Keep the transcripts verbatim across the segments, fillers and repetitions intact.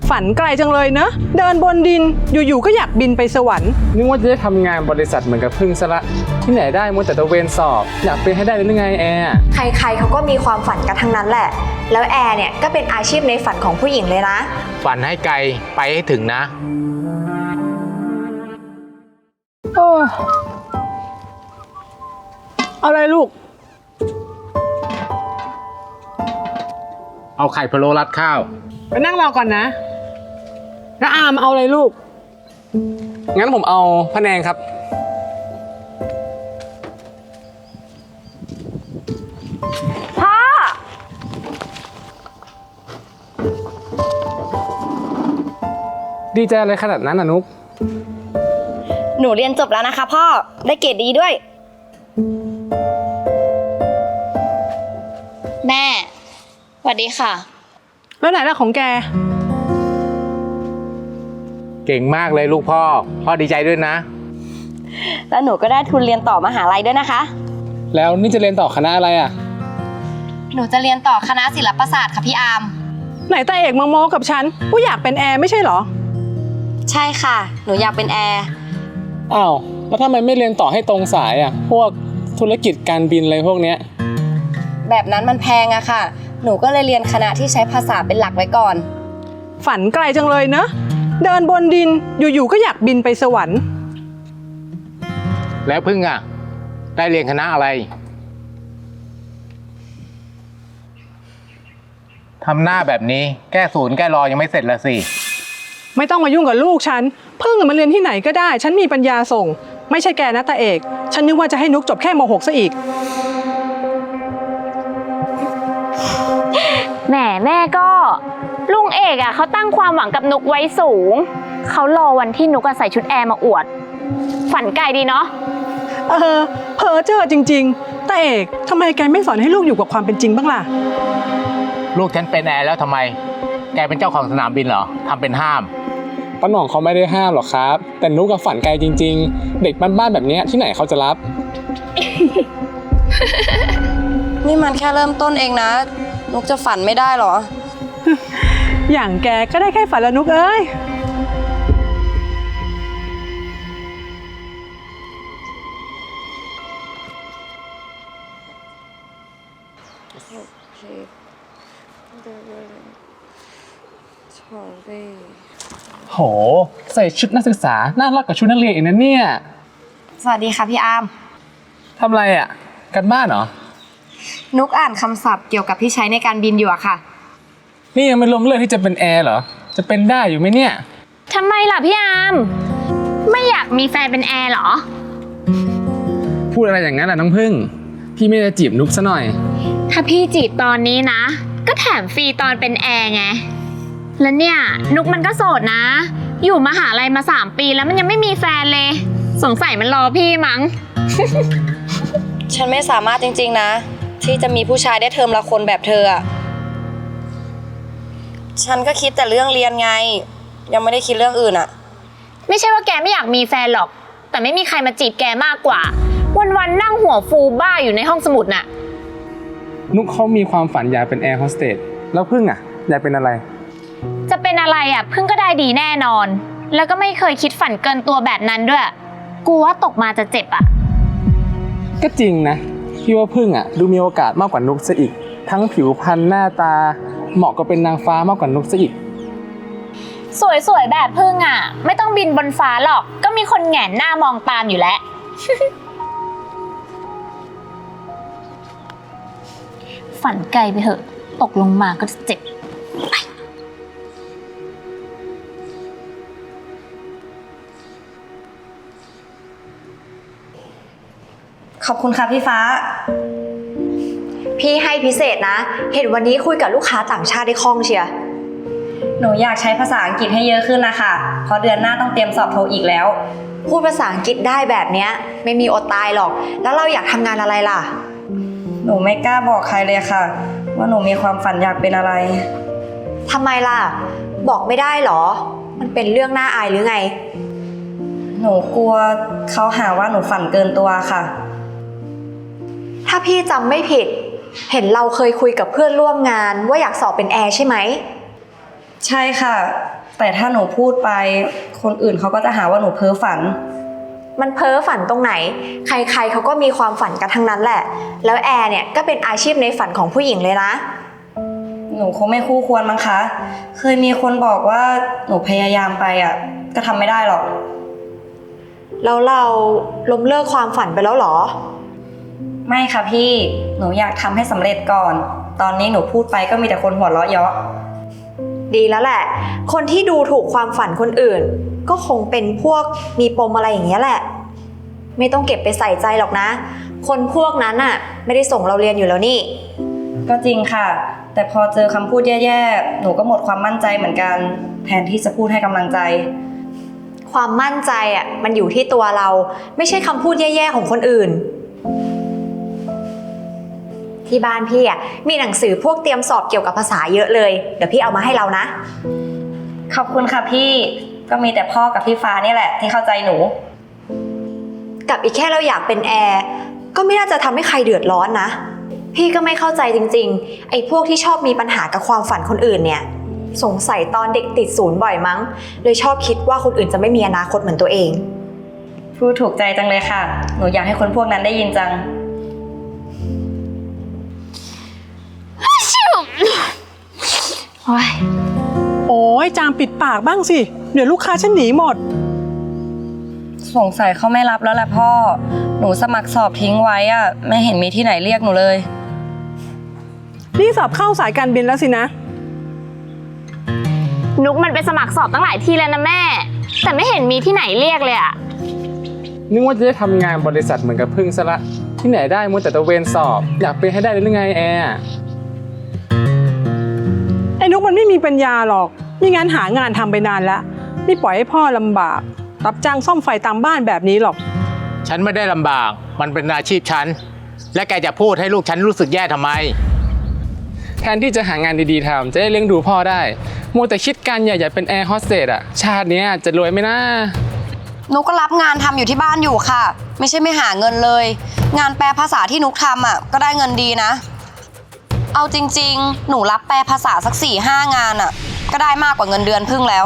ฝันไกลจังเลยเนอะเดินบนดินอยู่ๆก็อยากบินไปสวรรค์นึกว่าจะได้ทำงานบริษัทเหมือนกับพึ่งซะละที่ไหนได้มัวแต่ตะเวนสอบอยากเป็นให้ได้หรือไงแอร์ใครๆเขาก็มีความฝันกันทั้งนั้นแหละแล้วแอร์เนี่ยก็เป็นอาชีพในฝันของผู้หญิงเลยนะฝันให้ไกลไปให้ถึงนะโอ้อะไรลูกเอาไข่พะโล้รัดข้าวไปนั่งรอก่อนนะแล้วอามเอาอะไรลูกงั้นผมเอาพะแนงครับพ่อดีใจอะไรขนาดนั้นอ่ะนุ๊กหนูเรียนจบแล้วนะคะพ่อได้เกรดดีด้วยแม่สวัสดีค่ะแล้วไหนล่ะของแกเก่งมากเลยลูกพ่อพ่อดีใจด้วยนะแล้วหนูก็ได้ทุนเรียนต่อมหาลัยด้วยนะคะแล้วนี่จะเรียนต่อคณะอะไรอ่ะหนูจะเรียนต่อคณะศิลปศาสตร์ค่ะพี่อาร์มไหนตาเอกมาโม้กับฉันว่าอยากเป็นแอร์ไม่ใช่เหรอใช่ค่ะหนูอยากเป็นแอร์อ้าวแล้วทำไมไม่เรียนต่อให้ตรงสายอ่ะพวกธุรกิจการบินอะไรพวกเนี้ยแบบนั้นมันแพงอะค่ะหนูก็เลยเรียนคณะที่ใช้ภาษาเป็นหลักไว้ก่อนฝันไกลจังเลยเนอะเดินบนดินอยู่ๆก็อยากบินไปสวรรค์แล้วพึ่งอ่ะได้เรียนคณะอะไรทำหน้าแบบนี้แก้ศูนย์แก้รอยังไม่เสร็จละสิไม่ต้องมายุ่งกับลูกฉันเพิ่งมาเรียนที่ไหนก็ได้ฉันมีปัญญาส่งไม่ใช่แกนะตาเอกฉันนึกว่าจะให้นุกจบแค่ม หก ซะอีกแหมแม่ก็ลุงเอกอ่ะเขาตั้งความหวังกับนุกไว้สูงเขารอวันที่นุกใส่ชุดแอร์มาอวดฝันไกลดีเนาะเออเพ้อเจ้อจริงๆตาเอกทำไมแกไม่สอนให้ลูกอยู่กับความเป็นจริงบ้างล่ะลูกฉันเป็นแอร์แล้วทำไมแกเป็นเจ้าของสนามบินเหรอทำเป็นห้ามป้าหน่องเขาไม่ได้ห้ามหรอกครับแต่นุกกับฝันไกลจริงๆเด็กบ้านๆแบบนี้ที่ไหนเขาจะรับนี่มันแค่เริ่มต้นเองนะนุกจะฝันไม่ได้หรออย่างแกก็ได้แค่ฝันละนุกเอ้ยโหใส่ชุดนักศึกษาน่ารักกว่าชุดนักเรียนอีกนะเนี่ยสวัสดีค่ะพี่อาร์มทำอะไรอ่ะกันบ้านเหรอนุกอ่านคำศัพท์เกี่ยวกับที่ใช้ในการบินอยู่อะค่ะนี่ยังไม่ล้มเลิกที่จะเป็นแอร์เหรอจะเป็นได้อยู่ไหมเนี่ยทำไมล่ะพี่อาร์มไม่อยากมีแฟนเป็นแอร์เหรอพูดอะไรอย่างนั้นล่ะน้องพึ่งพี่ไม่ได้จีบนุกซะหน่อยถ้าพี่จีบตอนนี้นะก็แถมฟรีตอนเป็นแอร์ไงแล้วเนี่ยนุกมันก็โสดนะอยู่มหาลัยมาสามปีแล้วมันยังไม่มีแฟนเลยสงสัยมันรอพี่มั้งฉันไม่สามารถจริงๆนะที่จะมีผู้ชายได้เทอมละคนแบบเธออะฉันก็คิดแต่เรื่องเรียนไงยังไม่ได้คิดเรื่องอื่นอะไม่ใช่ว่าแกไม่อยากมีแฟนหรอกแต่ไม่มีใครมาจีบแกมากกว่าวันๆนั่งหัวฟูบ้าอยู่ในห้องสมุดน่ะนุกเขามีความฝันอยากเป็นแอร์โฮสเตสแล้วพึ่งอะอยากเป็นอะไรจะเป็นอะไรอ่ะพึ่งก็ได้ดีแน่นอนแล้วก็ไม่เคยคิดฝันเกินตัวแบบนั้นด้วยกลัวว่าตกมาจะเจ็บอ่ะก็จริงนะพี่ว่าพึ่งอ่ะดูมีโอกาสมากกว่านุกซะอีกทั้งผิวพรรณหน้าตาเหมาะกับเป็นนางฟ้ามากกว่านุกซะอีกสวยๆแบบพึ่งอ่ะไม่ต้องบินบนฟ้าหรอกก็มีคนแหงนหน้ามองตามอยู่แล้ว ฝันไกลไปเถอะตกลงมาก็จะเจ็บขอบคุณค่ะพี่ฟ้าพี่ให้พิเศษนะเห็นวันนี้คุยกับลูกค้าต่างชาติได้คล่องเชียร์หนูอยากใช้ภาษาอังกฤษให้เยอะขึ้นนะคะเพราะเดือนหน้าต้องเตรียมสอบโทอีกแล้วพูดภาษาอังกฤษได้แบบเนี้ยไม่มีอดตายหรอกแล้วเราอยากทำงานอะไรล่ะหนูไม่กล้าบอกใครเลยค่ะว่าหนูมีความฝันอยากเป็นอะไรทำไมล่ะบอกไม่ได้หรอมันเป็นเรื่องน่าอายหรือไงหนูกลัวเขาหาว่าหนูฝันเกินตัวค่ะถ้าพี่จำไม่ผิดเห็นเราเคยคุยกับเพื่อนร่วมงานว่าอยากสอบเป็นแอร์ใช่ไหมใช่ค่ะ แต่ถ้าหนูพูดไปคนอื่นเขาก็จะหาว่าหนูเพ้อฝัน มันเพ้อฝันตรงไหนใครๆเขาก็มีความฝันกันทั้งนั้นแหละแล้วแอร์เนี่ยก็เป็นอาชีพในฝันของผู้หญิงเลยนะหนูคงไม่คู่ควรมั้งคะเคยมีคนบอกว่าหนูพยายามไปอ่ะก็ทำไม่ได้หรอกแล้วเราล้มเลิกความฝันไปแล้วหรอไม่ค่ะพี่หนูอยากทำให้สำเร็จก่อนตอนนี้หนูพูดไปก็มีแต่คนหัวเราะเยาะดีแล้วแหละคนที่ดูถูกความฝันคนอื่นก็คงเป็นพวกมีปมอะไรอย่างเงี้ยแหละไม่ต้องเก็บไปใส่ใจหรอกนะคนพวกนั้นน่ะไม่ได้ส่งเราเรียนอยู่แล้วนี่ก็จริงค่ะแต่พอเจอคำพูดแย่ๆหนูก็หมดความมั่นใจเหมือนกันแทนที่จะพูดให้กำลังใจความมั่นใจอ่ะมันอยู่ที่ตัวเราไม่ใช่คำพูดแย่ๆของคนอื่นที่บ้านพี่อ่ะมีหนังสือพวกเตรียมสอบเกี่ยวกับภาษาเยอะเลยเดี๋ยวพี่เอามาให้เรานะขอบคุณค่ะพี่ก็มีแต่พ่อกับพี่ฟ้านี่แหละที่เข้าใจหนูกับอีกแค่เราอยากเป็นแอร์ก็ไม่น่าจะทำให้ใครเดือดร้อนนะพี่ก็ไม่เข้าใจจริงๆไอ้พวกที่ชอบมีปัญหากับความฝันคนอื่นเนี่ยสงสัยตอนเด็กติดศูนย์บ่อยมั้งเลยชอบคิดว่าคนอื่นจะไม่มีอนาคตเหมือนตัวเองพูดถูกใจจังเลยค่ะหนูอยากให้คนพวกนั้นได้ยินจังโอ้ยโอ้ยจามปิดปากบ้างสิเดี๋ยวลูกค้าฉันหนีหมดสงสัยเขาไม่รับแล้วแหละพ่อหนูสมัครสอบทิ้งไว้อะไม่เห็นมีที่ไหนเรียกหนูเลยนี่สอบเข้าสายการบินแล้วสินะนุกมันไปสมัครสอบตั้งหลายที่แล้วนะแม่แต่ไม่เห็นมีที่ไหนเรียกเลยอะนึกว่าจะได้ทำงานบริษัทเหมือนกับพึ่งซะละที่ไหนได้มัวแต่ตะเวนสอบอยากเป็นให้ได้หรือไงแอร์ไอ้นุกมันไม่มีปัญญาหรอกไม่งั้นหางานทำไปนานแล้วไม่ปล่อยให้พ่อลำบากรับจ้างซ่อมไฟตามบ้านแบบนี้หรอกฉันไม่ได้ลำบากมันเป็นอาชีพฉันและแกจะพูดให้ลูกฉันรู้สึกแย่ทำไมแทนที่จะหางานดีๆทำจะได้เลี้ยงดูพ่อได้มัวแต่คิดการใหญ่ๆเป็นแอร์โฮสเตสอะชาตินี้จะรวยไหมนะนุกก็รับงานทำอยู่ที่บ้านอยู่ค่ะไม่ใช่ไม่หาเงินเลยงานแปลภาษาที่นุกทำอ่ะก็ได้เงินดีนะเอาจริงๆหนูรับแปลภาษาสักสี่ห้างานอ่ะก็ได้มากกว่าเงินเดือนพึ่งแล้ว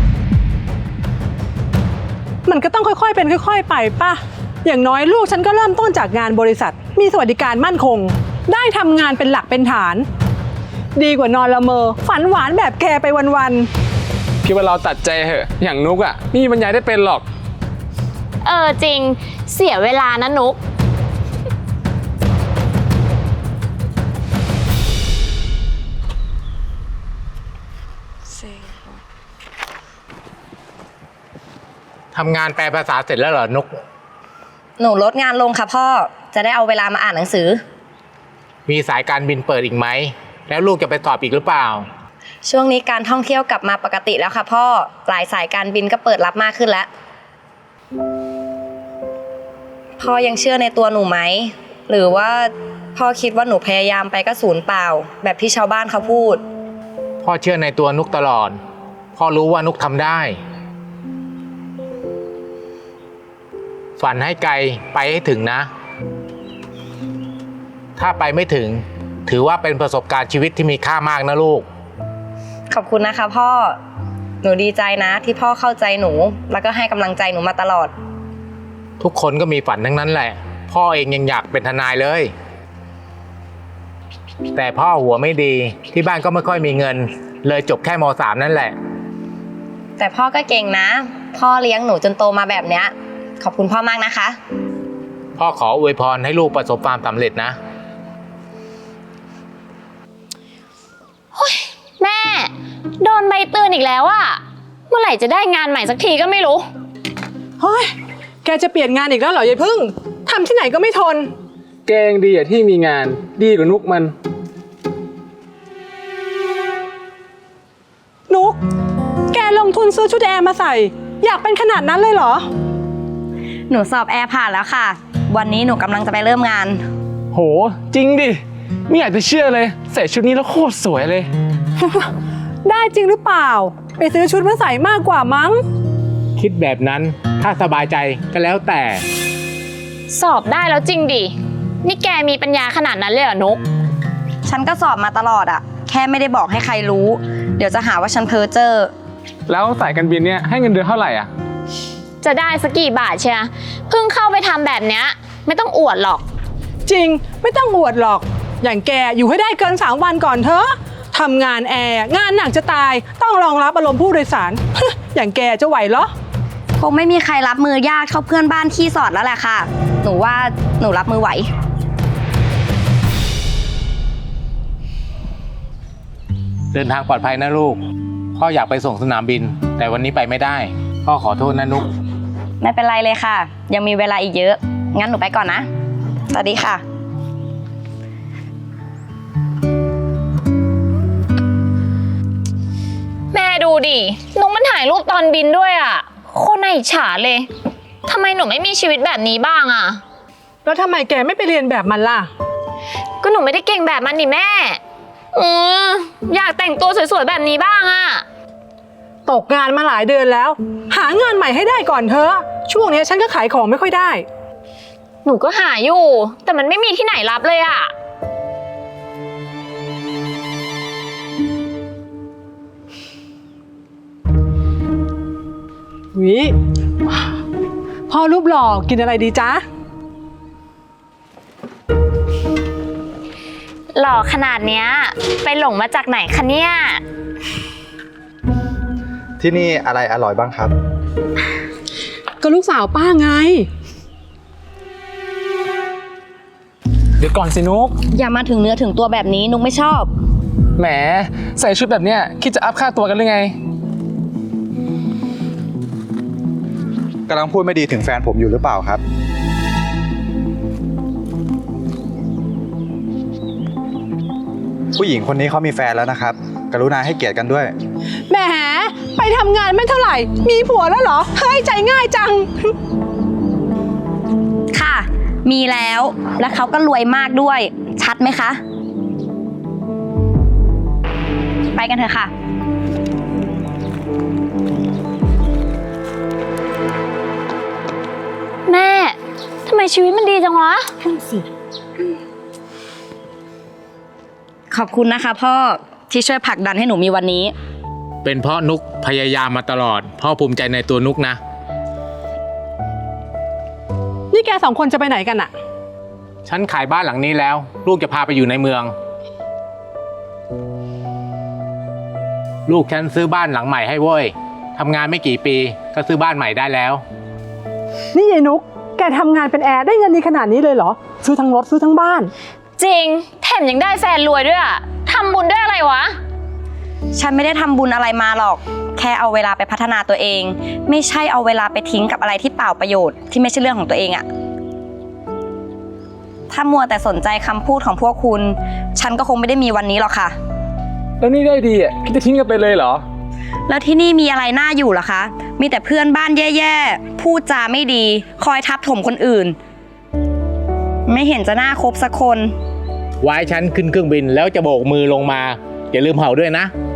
มันก็ต้องค่อยๆเป็นค่อยๆไปป่ะอย่างน้อยลูกฉันก็เริ่มต้นจากงานบริษัทมีสวัสดิการมั่นคงได้ทำงานเป็นหลักเป็นฐานดีกว่านอนละเมอฝันหวานแบบแกไปวันๆคิดว่าเราตัดใจเหอะอย่างนุกอ่ะไม่มีปัญญาได้เป็นหรอกเออจริงเสียเวลานะนุกทำงานแปลภาษาเสร็จแล้วเหรอนุกหนูลดงานลงค่ะพ่อจะได้เอาเวลามาอ่านหนังสือมีสายการบินเปิดอีกไหมแล้วลูกจะไปสอบอีกหรือเปล่าช่วงนี้การท่องเที่ยวกลับมาปกติแล้วค่ะพ่อหลายสายการบินก็เปิดรับมากขึ้นแล้วพ่อยังเชื่อในตัวหนูไหมหรือว่าพ่อคิดว่าหนูพยายามไปก็ศูนย์เปล่าแบบที่ชาวบ้านเขาพูดพ่อเชื่อในตัวนุกตลอดพ่อรู้ว่านุกทำได้ฝันให้ไกลไปให้ถึงนะถ้าไปไม่ถึงถือว่าเป็นประสบการณ์ชีวิตที่มีค่ามากนะลูกขอบคุณนะคะพ่อหนูดีใจนะที่พ่อเข้าใจหนูแล้วก็ให้กำลังใจหนูมาตลอดทุกคนก็มีฝันทั้งนั้นแหละพ่อเองยังอยากเป็นทนายเลยแต่พ่อหัวไม่ดีที่บ้านก็ไม่ค่อยมีเงินเลยจบแค่ม สาม นั่นแหละแต่พ่อก็เก่งนะพ่อเลี้ยงหนูจนโตมาแบบเนี้ยขอบคุณพ่อมากนะคะพ่อขออวยพรให้ลูกประสบความสำเร็จนะแม่โดนใบเตือนอีกแล้วอะเมื่อไหร่จะได้งานใหม่สักทีก็ไม่รู้เฮ้ยแกจะเปลี่ยนงานอีกแล้วเหรอยายพึ่งทำที่ไหนก็ไม่ทนแกงดีอะที่มีงานดีกว่านุกมันนุกแกลงทุนซื้อชุดแอร์มาใส่อยากเป็นขนาดนั้นเลยเหรอหนูสอบแอร์ผ่านแล้วค่ะวันนี้หนูกำลังจะไปเริ่มงานโหจริงดิไม่อยากจะเชื่อเลยใส่ชุดนี้แล้วโคตรสวยเลยได้จริงหรือเปล่าไปซื้อชุดมาใส่มากกว่ามั้งคิดแบบนั้นถ้าสบายใจก็แล้วแต่สอบได้แล้วจริงดินี่แกมีปัญญาขนาดนั้นเลยเหรอนุกฉันก็สอบมาตลอดอะแค่ไม่ได้บอกให้ใครรู้ เดี๋ยวจะหาว่าฉันเพ้อเจ้อแล้วสายการบินเนี่ยให้เงินเดือนเท่าไหร่อ่ะจะได้สักกี่บาทเชียเพิ่งเข้าไปทำแบบเนี้ยไม่ต้องอวดหรอกจริงไม่ต้องอวดหรอก อย่างแกอยู่ให้ได้เกินสามวันก่อนเถอะทำงานแอร์งานหนักจะตายต้องรองรับอารมณ์ผู้โดยสาร อย่างแกจะไหวเหรอคงไม่มีใครรับมือยากเท่าเพื่อนบ้านขี้สอดแล้วแหละค่ะ หนูว่าหนูรับมือไหวเดินทางปลอดภัยนะลูก พ่ออยากไปส่งสนามบิน แต่วันนี้ไปไม่ได้ พ่อขอโทษนะนุกไม่เป็นไรเลยค่ะ ยังมีเวลาอีกเยอะ งั้นหนูไปก่อนนะ สวัสดีค่ะแม่ดูดินุกมันถ่ายรูปตอนบินด้วยอ่ะโคตรน่าอิจฉาเลยทำไมหนูไม่มีชีวิตแบบนี้บ้างอ่ะแล้วทำไมแกไม่ไปเรียนแบบมันล่ะก็หนูไม่ได้เก่งแบบมันนี่แม่อืออยากแต่งตัวสวยๆแบบนี้บ้างอ่ะตกงานมาหลายเดือนแล้ว หางานใหม่ให้ได้ก่อนเถอะช่วงนี้ฉันก็ขายของไม่ค่อยได้หนูก็หาอยู่ แต่มันไม่มีที่ไหนรับเลยอ่ะวิพ่อรูปหล่อกินอะไรดีจ๊ะหล่อขนาดเนี้ยไปหลงมาจากไหนคะเนี่ยที่นี่อะไรอร่อยบ้างครับก็ลูกสาวป้าไงเดี๋ยวก่อนสินุกอย่ามาถึงเนื้อถึงตัวแบบนี้นุกไม่ชอบแหมใส่ชุดแบบเนี้ยคิดจะอัพค่าตัวกันหรือไงกำลังพูดไม่ดีถึงแฟนผมอยู่หรือเปล่าครับ ผู้หญิงคนนี้เขามีแฟนแล้วนะครับ กรุณาให้เกียรติกันด้วยแหมไปทำงานไม่เท่าไหร่ มีผัวแล้วเหรอ เฮ้ยใจง่ายจังค่ะ มีแล้ว และเขาก็รวยมากด้วย ชัดไหมคะ ไปกันเถอะค่ะแม่ทำไมชีวิตมันดีจังวะขอบคุณนะคะพ่อที่ช่วยผลักดันให้หนูมีวันนี้เป็นเพราะนุกพยายามมาตลอด พ่อภูมิใจในตัวนุกนะนี่แกสองคนจะไปไหนกันอะฉันขายบ้านหลังนี้แล้ว ลูกจะพาไปอยู่ในเมือง ลูกฉันซื้อบ้านหลังใหม่ให้เว้ยทำงานไม่กี่ปีก็ซื้อบ้านใหม่ได้แล้วนี่ยายนุกแกทำงานเป็นแอร์ได้เงินดีขนาดนี้เลยเหรอ ซื้อทั้งรถซื้อทั้งบ้านจริงแถมยังได้แฟนรวยด้วยอ่ะทำบุญด้วยอะไรวะฉันไม่ได้ทำบุญอะไรมาหรอก แค่เอาเวลาไปพัฒนาตัวเอง ไม่ใช่เอาเวลาไปทิ้งกับอะไรที่เปล่าประโยชน์ที่ไม่ใช่เรื่องของตัวเองอะถ้ามัวแต่สนใจคำพูดของพวกคุณ ฉันก็คงไม่ได้มีวันนี้หรอกค่ะแล้วนี่ได้ดีอ่ะคิดจะทิ้งกันไปเลยเหรอแล้วที่นี่มีอะไรน่าอยู่ล่ะคะ มีแต่เพื่อนบ้านแย่ๆ พูดจาไม่ดี คอยทับถมคนอื่น ไม่เห็นจะน่าคบสักคนไว้ฉันขึ้นเครื่องบินแล้วจะโบกมือลงมา อย่าลืมเห่าด้วยนะ